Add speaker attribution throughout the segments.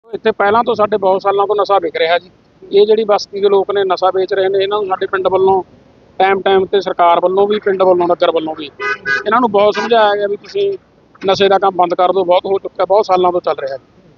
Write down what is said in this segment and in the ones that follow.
Speaker 1: ਇੱਥੇ ਪਹਿਲਾਂ ਤੋਂ ਸਾਡੇ ਬਹੁਤ ਸਾਲਾਂ ਤੋਂ ਨਸ਼ਾ ਵਿਕ ਰਿਹਾ ਜੀ। ਇਹ ਜਿਹੜੀ ਬਸਤੀ ਦੇ ਲੋਕ ਨੇ ਨਸ਼ਾ ਵੇਚ ਰਹੇ ਨੇ, ਇਹਨਾਂ ਨੂੰ ਸਾਡੇ ਪਿੰਡ ਵੱਲੋਂ ਟਾਈਮ ਤੇ ਸਰਕਾਰ ਵੱਲੋਂ ਵੀ, ਪਿੰਡ ਵੱਲੋਂ, ਨਗਰ ਵੱਲੋਂ ਵੀ ਇਹਨਾਂ ਨੂੰ ਬਹੁਤ ਸਮਝਾਇਆ ਗਿਆ ਵੀ ਤੁਸੀਂ ਨਸ਼ੇ ਦਾ ਕੰਮ ਬੰਦ ਕਰ ਦਿਓ, ਬਹੁਤ ਹੋ ਚੁੱਕਾ, ਬਹੁਤ ਸਾਲਾਂ ਤੋਂ ਚੱਲ ਰਿਹਾ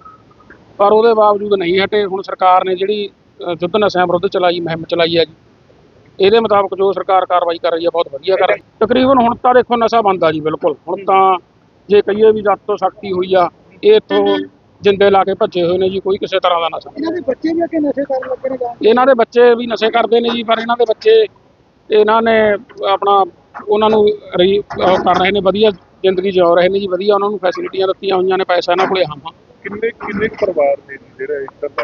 Speaker 1: ਪਰ ਉਹਦੇ ਬਾਵਜੂਦ ਨਹੀਂ ਹਟੇ। ਹੁਣ ਸਰਕਾਰ ਨੇ ਜਿਹੜੀ ਯੁੱਧ ਨਸ਼ਿਆਂ ਵਿਰੁੱਧ ਮੁਹਿੰਮ ਚਲਾਈ ਹੈ ਜੀ, ਇਹਦੇ ਮੁਤਾਬਕ ਜੋ ਸਰਕਾਰ ਕਾਰਵਾਈ ਕਰ ਰਹੀ ਹੈ ਬਹੁਤ ਵਧੀਆ ਕਰ ਰਹੀ ਹੈ। ਤਕਰੀਬਨ ਹੁਣ ਤਾਂ ਦੇਖੋ ਨਸ਼ਾ ਬੰਦ ਆ ਜੀ, ਬਿਲਕੁਲ। ਹੁਣ ਤਾਂ ਜੇ ਕਹੀਏ ਵੀ ਜਦ ਤੋਂ ਸਖਤੀ ਹੋਈ ਆ, ਇਹ ਇੱਥੋਂ ਜਿੰਦੇ ਲਾ ਕੇ ਭੱਜੇ ਹੋਏ ਨੇ ਜੀ, ਕੋਈ ਕਿਸੇ ਤਰ੍ਹਾਂ ਦਾ ਨਸ਼ਾ।
Speaker 2: ਇਹਨਾਂ ਦੇ ਬੱਚੇ ਵੀ ਅੱਗੇ ਨਸ਼ੇ ਕਰਨ ਲੱਗੇ ਨੇ ਜਾਂ
Speaker 1: ਇਹਨਾਂ ਦੇ ਬੱਚੇ ਵੀ ਨਸ਼ੇ ਕਰਦੇ ਨੇ ਜੀ, ਪਰ ਇਹਨਾਂ ਦੇ ਬੱਚੇ ਇਹਨਾਂ ਨੇ ਆਪਣਾ ਉਹਨਾਂ ਨੂੰ ਕਰ ਰਹੇ ਨੇ, ਵਧੀਆ ਜ਼ਿੰਦਗੀ ਜਿਉ ਰਹੇ ਨੇ ਜੀ, ਵਧੀਆ ਉਹਨਾਂ ਨੂੰ ਫੈਸਿਲਿਟੀਆਂ ਦਿੱਤੀਆਂ ਹੋਈਆਂ ਨੇ, ਪੈਸਾ ਇਹਨਾਂ ਕੋਲੇ ਹਾਂ।
Speaker 3: ਕਿੰਨੇ ਪਰਿਵਾਰ ਨੇ ਜਿਹੜਾ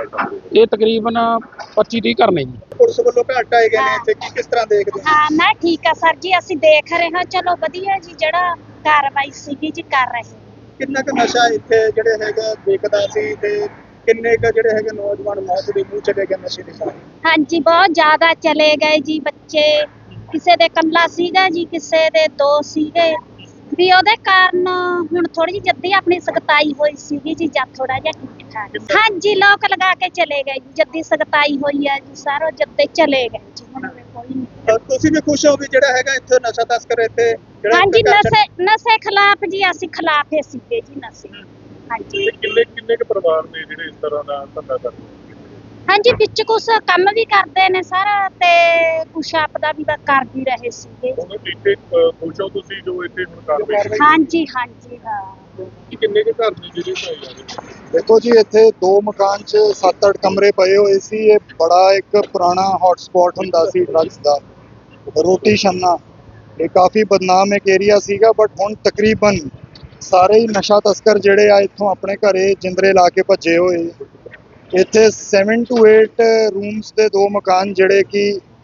Speaker 1: ਇਹ ਤਕਰੀਬਨ 25-30 ਘਰ ਨੇ ਜੀ।
Speaker 2: ਪੁਲਿਸ ਵੱਲੋਂ ਘਾਟ ਆਏ ਗਏ ਨੇ ਇੱਥੇ, ਕਿਸ ਤਰ੍ਹਾਂ ਦੇਖਦੇ ਹੋ?
Speaker 4: ਹਾਂ ਮੈਂ ਠੀਕ ਆ ਸਰ ਜੀ, ਅਸੀਂ ਦੇਖ ਰਹੇ ਹਾਂ, ਚਲੋ ਵਧੀਆ ਜੀ, ਜਿਹੜਾ ਕਾਰਵਾਈ ਸੀਗੀ ਜੀ ਕਰ ਰਹੇ।
Speaker 2: ਕਿੰਨਾ ਕੁ ਨਸ਼ਾ ਇੱਥੇ ਜਿਹੜੇ ਹੈਗਾ ਵਿਕਦਾ ਸੀ ਤੇ ਕਿੰਨੇ ਕੁ ਜਿਹੜੇ ਹੈਗੇ ਨੌਜਵਾਨ ਮੌਤ ਦੇ ਮੂੰਹ ਚਲੇ ਗਏ ਨਸ਼ੇ ਦੇ ਕਾਰਨ?
Speaker 4: ਹਾਂਜੀ ਬਹੁਤ ਜ਼ਿਆਦਾ ਚਲੇ ਗਏ ਜੀ ਬੱਚੇ, ਕਿਸੇ ਦੇ ਕੱਲਾ ਸੀਗਾ ਜੀ, ਕਿਸੇ ਦੇ ਦੋ ਸੀਗੇ ਵੀ, ਉਹਦੇ ਕਾਰਨ ਹੁਣ ਥੋੜੀ ਜਿਹੀ ਜੱਦੀ ਆਪਣੀ ਸਖਤਾਈ ਹੋਈ ਸੀਗੀ ਜੀ, ਜਾਂ ਥੋੜਾ ਜਿਹਾ ਠੀਕ ਠਾਕ। ਹਾਂਜੀ ਲੋਕ ਲਗਾ ਕੇ ਚਲੇ ਗਏ ਜੀ, ਜੱਦੀ ਸਖਤਾਈ ਹੋਈ ਆ ਜੀ, ਸਾਰੋ ਜੱਦੇ ਚਲੇ ਗਏ ਜੀ, ਹੁਣ ਕੋਈ ਨਹੀਂ।
Speaker 2: ਤੁਸੀਂ ਵੀ ਖੁਸ਼ ਹੋ ਵੀ ਜਿਹੜਾ ਹੈਗਾ ਇੱਥੇ ਨਸ਼ਾ ਤਸਕਰ ਇੱਥੇ
Speaker 4: ਹਾਂਜੀ ਨਸ਼ੇ ਖਿਲਾਫ ਜੀ, ਅਸੀਂ ਖਿਲਾਫ ਹੀ ਸੀਗੇ ਜੀ ਨਸ਼ੇ। ਹਾਂਜੀ
Speaker 3: ਕਿੰਨੇ ਕੁ ਪਰਿਵਾਰ ਨੇ ਜਿਹੜੇ ਇਸ ਤਰ੍ਹਾਂ ਦਾ ਧੰਦਾ ਕਰਦੇ ਨੇ?
Speaker 4: ਹਾਂਜੀ ਵਿੱਚ ਕੁਛ ਕੰਮ ਵੀ ਕਰਦੇ ਨੇ ਸਾਰਾ, ਤੇ ਕੁਛ ਆਪਦਾ ਵੀ ਕਰ ਵੀ ਰਹੇ ਸੀਗੇ।
Speaker 3: ਇੱਥੇ ਖੁਸ਼ ਹੋ ਤੁਸੀਂ ਜੋ ਇੱਥੇ ਹੁਣ ਕਾਰਵਾਈ?
Speaker 4: ਹਾਂਜੀ ਹਾਂਜੀ ਹਾਂ।
Speaker 3: ਕਿੰਨੇ ਕੁ ਘਰ ਨੇ ਜਿਹੜੇ ਢਾਏ ਜਾ ਰਹੇ?
Speaker 5: ਦੇਖੋ ਜੀ, ਇੱਥੇ 2 ਮਕਾਨ 'ਚ 7-8 ਕਮਰੇ ਪਏ ਹੋਏ ਸੀ। ਇਹ ਬੜਾ ਇੱਕ ਪੁਰਾਣਾ ਹੌਟ ਸਪੌਟ ਹੁੰਦਾ ਸੀ ਡਰੱਗਸ ਦਾ, ਰੋਟੀ ਛੰਨਾ। ਇਹ ਕਾਫੀ ਬਦਨਾਮ ਇੱਕ ਏਰੀਆ ਸੀਗਾ, ਬਟ ਹੁਣ ਤਕਰੀਬਨ ਸਾਰੇ ਹੀ ਨਸ਼ਾ ਤਸਕਰ ਜਿਹੜੇ ਆ ਇੱਥੋਂ ਆਪਣੇ ਘਰੇ ਜਿੰਦਰੇ ਲਾ ਕੇ ਭੱਜੇ ਹੋਏ। ਇੱਥੇ 7 to 8 ਰੂਮਸ ਦੇ 2 ਮਕਾਨ ਜਿਹੜੇ ਕਿ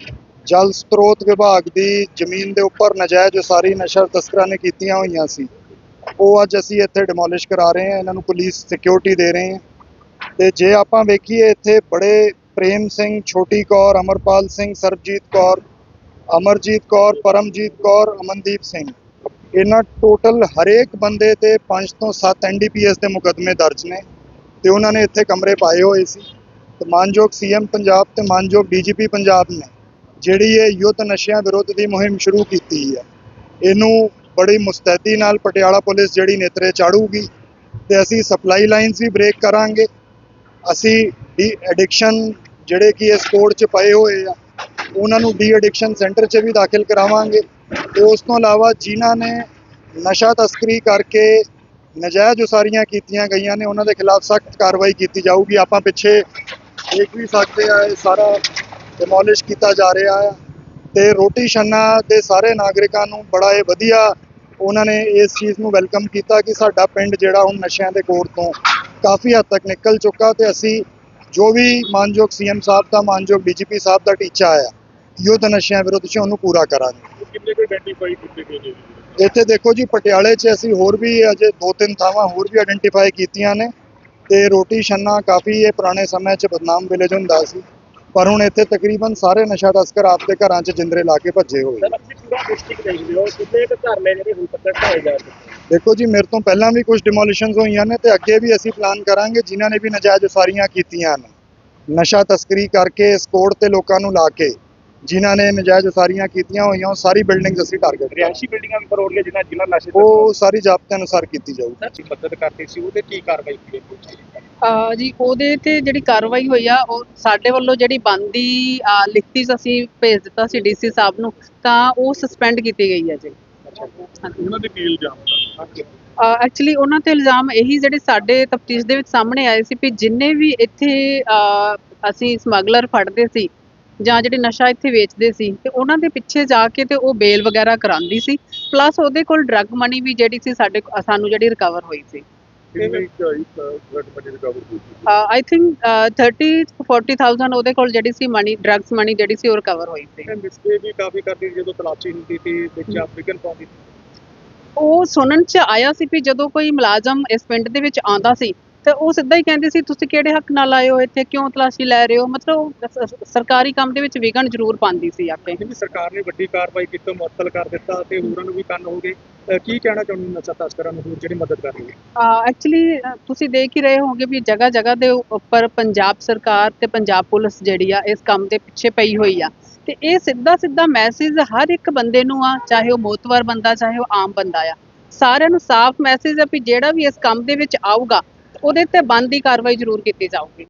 Speaker 5: ਜਲ ਸਰੋਤ ਵਿਭਾਗ ਦੀ ਜ਼ਮੀਨ ਦੇ ਉੱਪਰ ਨਜਾਇਜ਼ ਉਸਾਰੀ ਨਸ਼ਾ ਤਸਕਰਾਂ ਨੇ ਕੀਤੀਆਂ ਹੋਈਆਂ ਸੀ, ਉਹ ਅੱਜ ਅਸੀਂ ਇੱਥੇ ਡਿਮੋਲਿਸ਼ ਕਰਾ ਰਹੇ ਹਾਂ। ਇਹਨਾਂ ਨੂੰ ਪੁਲਿਸ ਸਿਕਿਉਰਿਟੀ ਦੇ ਰਹੇ ਹਾਂ। ਤੇ ਜੇ ਆਪਾਂ ਵੇਖੀਏ, ਇੱਥੇ ਬੜੇ ਪ੍ਰੇਮ ਸਿੰਘ, ਛੋਟੀ ਕੌਰ, ਅਮਰਪਾਲ ਸਿੰਘ, ਸਰਬਜੀਤ ਕੌਰ, ਅਮਰਜੀਤ ਕੌਰ, ਪਰਮਜੀਤ ਕੌਰ, ਅਮਨਦੀਪ ਸਿੰਘ, ਇਹਨਾਂ ਟੋਟਲ ਹਰੇਕ ਬੰਦੇ ਤੇ 5 ਤੋਂ 7 NDPS ਦੇ ਮੁਕੱਦਮੇ ਦਰਜ ਨੇ ਤੇ ਉਹਨਾਂ ਨੇ ਇੱਥੇ ਕਮਰੇ ਪਾਏ ਹੋਏ ਸੀ। ਤੇ ਮਾਨਯੋਗ CM ਪੰਜਾਬ ਤੇ ਮਾਨਯੋਗ DGP ਪੰਜਾਬ ਨੇ ਜਿਹੜੀ ਇਹ ਯੁੱਧ ਨਸ਼ਿਆਂ ਵਿਰੁੱਧ ਦੀ ਮੁਹਿੰਮ ਸ਼ੁਰੂ ਕੀਤੀ ਹੈ, ਇਹਨੂੰ ਬੜੀ ਮੁਸਤੈਦੀ ਨਾਲ ਪਟਿਆਲਾ ਪੁਲਿਸ ਜਿਹੜੀ ਨੇਤਰੇ ਚਾੜੂਗੀ ਤੇ ਅਸੀਂ ਸਪਲਾਈ ਲਾਈਨਸ ਵੀ ਬ੍ਰੇਕ ਕਰਾਂਗੇ। ਅਸੀਂ ਡੀ ਐਡਿਕਸ਼ਨ ਜਿਹੜੇ ਕਿ ਇਸ ਕੋਡ 'ਚ ਪਏ ਹੋਏ ਆ, ਉਹਨਾਂ ਨੂੰ ਡੀ ਐਡਿਕਸ਼ਨ ਸੈਂਟਰ 'ਚ ਵੀ ਦਾਖਲ ਕਰਾਵਾਂਗੇ। ਤੇ ਉਸ ਤੋਂ ਇਲਾਵਾ ਜਿਨ੍ਹਾਂ ਨੇ ਨਸ਼ਾ ਤਸਕਰੀ ਕਰਕੇ ਨਜਾਇਜ਼ ਉਸਾਰੀਆਂ ਕੀਤੀਆਂ ਗਈਆਂ ਨੇ, ਉਹਨਾਂ ਦੇ ਖਿਲਾਫ ਸਖਤ ਕਾਰਵਾਈ ਕੀਤੀ ਜਾਊਗੀ। ਆਪਾਂ ਪਿੱਛੇ ਦੇਖ ਵੀ ਸਕਦੇ ਆ, ਇਹ ਸਾਰਾ ਡਿਮੋਲਿਸ਼ ਕੀਤਾ ਜਾ ਰਿਹਾ ਆ। ਤੇ ਰੋਟੀ ਛੰਨਾ ਦੇ ਸਾਰੇ ਨਾਗਰਿਕਾਂ ਨੂੰ ਬੜਾ ਇਹ ਵਧੀਆ ਉਹਨਾਂ ਨੇ ਇਸ ਚੀਜ਼ ਨੂੰ ਵੈਲਕਮ ਕੀਤਾ ਕਿ ਸਾਡਾ ਪਿੰਡ ਜਿਹੜਾ ਹੁਣ ਨਸ਼ਿਆਂ ਦੇ ਕੋੜ ਤੋਂ ਕਾਫੀ ਹੱਦ ਤੱਕ ਨਿਕਲ ਚੁੱਕਾ। ਤੇ ਅਸੀਂ ਜੋ ਵੀ ਮਾਨਯੋਗ CM ਸਾਹਿਬ ਦਾ, ਮਾਨਯੋਗ DGP ਸਾਹਿਬ ਦਾ ਟੀਚਾ ਆਇਆ ਯੁੱਧ ਨਸ਼ਿਆਂ ਵਿਰੁੱਧ 'ਚ, ਉਹਨੂੰ ਪੂਰਾ ਕਰਾਂਗੇ।
Speaker 3: ਕਿੰਨੇ ਕੁ ਆਇਡੈਂਟੀਫਾਈ ਕੀਤੇ ਗਏ ਨੇ?
Speaker 5: ਇੱਥੇ ਦੇਖੋ ਜੀ, ਪਟਿਆਲੇ 'ਚ ਅਸੀਂ ਹੋਰ ਵੀ ਅਜੇ 2-3 ਥਾਵਾਂ ਹੋਰ ਵੀ ਆਇਡੈਂਟੀਫਾਈ ਕੀਤੀਆਂ ਨੇ। ਤੇ ਰੋਟੀ ਛੰਨਾ ਕਾਫੀ ਇਹ ਪੁਰਾਣੇ ਸਮੇਂ 'ਚ ਬਦਨਾਮ ਵਿਲੇਜ ਹੁੰਦਾ ਸੀ, ਪਰ ਹੁਣ ਇੱਥੇ ਤਕਰੀਬਨ ਸਾਰੇ ਨਸ਼ਾ ਤਸਕਰ ਆਪਦੇ ਘਰਾਂ 'ਚ ਜਿੰਦਰੇ ਲਾ ਕੇ ਭੱਜੇ ਹੋਏ। ਦੇਖੋ ਜੀ, ਮੇਰੇ ਤੋਂ ਪਹਿਲਾਂ ਵੀ ਕੁਝ ਡਿਮੋਲੀਸ਼ਨਸ ਹੋਈਆਂ ਨੇ ਤੇ ਅੱਗੇ ਵੀ ਅਸੀਂ ਪਲਾਨ ਕਰਾਂਗੇ। ਜਿਨ੍ਹਾਂ ਨੇ ਵੀ ਨਜਾਇਜ਼ ਉਸਾਰੀਆਂ ਕੀਤੀਆਂ ਨੇ, ਨਸ਼ਾ ਤਸਕਰੀ ਕਰਕੇ ਇਸ ਕੋਡ ਤੇ ਲੋਕਾਂ ਨੂੰ ਲਾ ਕੇ ਜਿਨ੍ਹਾਂ ਨੇ ਨਜਾਇਜ਼ ਉਸਾਰੀਆਂ ਕੀਤੀਆਂ ਹੋਈਆਂ, ਉਹ ਸਾਰੀ ਬਿਲਡਿੰਗਸ ਅਸੀਂ ਟਾਰਗੇਟ
Speaker 3: ਰਿਹਾਇਸ਼ੀ ਬਿਲਡਿੰਗਾਂ ਵੀ ਫਰੋੜ ਗਏ ਜਿਨ੍ਹਾਂ ਨਸ਼ੇ
Speaker 5: ਉਹ ਸਾਰੀ ਜ਼ਾਬਤੇ ਅਨੁਸਾਰ ਕੀਤੀ ਜਾਊਗੀ।
Speaker 3: ਮਦਦ ਕਰਤੀ ਸੀ, ਉਹਦੇ ਕੀ ਕਾਰਵਾਈ ਕੀਤੀ
Speaker 6: ਜੀ? ਉਹਦੇ ਤੇ ਜਿਹੜੀ ਕਾਰਵਾਈ ਹੋਈ ਆ, ਉਹ ਸਾਡੇ ਵੱਲੋਂ ਜਿਹੜੀ ਬਣਦੀ ਲਿਖਤੀ ਅਸੀਂ ਭੇਜ ਦਿੱਤਾ ਸੀ DC ਸਾਹਿਬ ਨੂੰ, ਤਾਂ ਉਹ ਸਸਪੈਂਡ ਕੀਤੀ ਗਈ ਹੈ ਜੀ।
Speaker 3: ਉਹਨਾਂ ਦੇ ਕੀ ਇਲਜ਼ਾਮ?
Speaker 6: ਐਕਚੁਅਲੀ ਉਹਨਾਂ ਤੇ ਇਲਜ਼ਾਮ ਇਹੀ ਜਿਹੜੇ ਸਾਡੇ ਤਫਤੀਸ਼ ਦੇ ਵਿੱਚ ਸਾਹਮਣੇ ਆਏ ਸੀ ਵੀ ਜਿੰਨੇ ਵੀ ਇੱਥੇ ਅਸੀਂ ਸਮਗਲਰ ਫੜਦੇ ਸੀ ਜਾਂ ਜਿਹੜੇ ਨਸ਼ਾ ਇੱਥੇ ਵੇਚਦੇ ਸੀ, ਤੇ ਉਹਨਾਂ ਦੇ ਪਿੱਛੇ ਜਾ ਕੇ ਤੇ ਉਹ ਬੇਲ ਵਗੈਰਾ ਕਰਾਉਂਦੀ ਸੀ, ਪਲੱਸ ਉਹਦੇ ਕੋਲ ਡਰੱਗ ਮਨੀ ਵੀ ਜਿਹੜੀ ਸੀ ਸਾਨੂੰ ਜਿਹੜੀ ਰਿਕਵਰ ਹੋਈ ਸੀ। ਆਈ ਥਿੰਕ 30-40,000 ਉਹਦੇ ਕੋਲ ਜਿਹੜੀ ਸੀ ਮਨੀ, ਡਰੱਗਸ ਮਨੀ ਜਿਹੜੀ ਸੀ ਉਹ ਰਿਕਵਰ ਹੋਈ ਸੀ।
Speaker 2: ਵੀ ਕਾਫੀ ਕਰਦੀ ਜਦੋਂ ਤਲਾਸ਼ੀ ਹੁੰਦੀ ਸੀ ਵਿੱਚ ਅਫਰੀਕਨ ਪਾਉਂਦੀ,
Speaker 6: ਉਹ ਸੁਣਨ 'ਚ ਆਇਆ ਸੀ ਵੀ ਜਦੋਂ ਕੋਈ ਮੁਲਾਜ਼ਮ ਇਸ ਪਿੰਡ ਦੇ ਵਿੱਚ ਆਉਂਦਾ ਸੀ ਤੇ ਉਹ ਸਿੱਧਾ ਹੀ ਕਹਿੰਦੇ ਸੀ ਤੁਸੀਂ ਕਿਹੜੇ ਹੱਕ ਨਾਲ ਆਏ ਹੋ ਇੱਥੇ, ਕਿਉਂ ਤਲਾਸ਼ੀ ਲੈ ਰਹੇ ਹੋ। ਮਤਲਬ ਸਰਕਾਰੀ ਕੰਮ ਦੇ ਵਿੱਚ ਵਿਘਨ ਜ਼ਰੂਰ ਪਾਉਂਦੀ ਸੀ ਆਪੇ।
Speaker 2: ਸਰਕਾਰ ਨੇ ਵੱਡੀ ਕਾਰਵਾਈ ਕੀਤੀ, ਮੁਅੱਤਲ ਕਰ ਦਿੱਤਾ ਤੇ ਹੋਰਾਂ ਨੂੰ ਵੀ ਕੰਨ ਹੋ ਗਏ। ਕੀ ਕਹਿਣਾ ਚਾਹੁੰਦੇ ਹੋ ਨਸ਼ਾ ਤਸਕਰਾਂ ਨੂੰ ਹੋਰ ਜਿਹੜੀ ਮਦਦ ਕਰ ਰਹੀ ਹੈ?
Speaker 6: ਐਕਚੁਅਲੀ ਤੁਸੀਂ ਦੇਖ ਹੀ ਰਹੇ ਹੋਗੇ ਵੀ ਜਗ੍ਹਾ ਜਗ੍ਹਾ ਦੇ ਉੱਪਰ ਪੰਜਾਬ ਸਰਕਾਰ ਤੇ ਪੰਜਾਬ ਪੁਲਿਸ ਜਿਹੜੀ ਆ ਇਸ ਕੰਮ ਦੇ ਪਿੱਛੇ ਪਈ ਹੋਈ ਆ, ਤੇ ਇਹ ਸਿੱਧਾ ਸਿੱਧਾ ਮੈਸੇਜ ਹਰ ਇੱਕ ਬੰਦੇ ਨੂੰ ਆ, ਚਾਹੇ ਉਹ ਮੋਤਵਰ ਬੰਦਾ ਚਾਹੇ ਉਹ ਆਮ ਬੰਦਾ ਆ, ਸਾਰਿਆਂ ਨੂੰ ਸਾਫ਼ ਮੈਸੇਜ ਆ ਵੀ ਜਿਹੜਾ ਵੀ ਇਸ ਕੰਮ ਦੇ ਵਿੱਚ ਆਊਗਾ ਉਹਦੇ ਤੇ ਬਣਦੀ ਕਾਰਵਾਈ ਜ਼ਰੂਰ ਕੀਤੀ ਜਾਊਗੀ।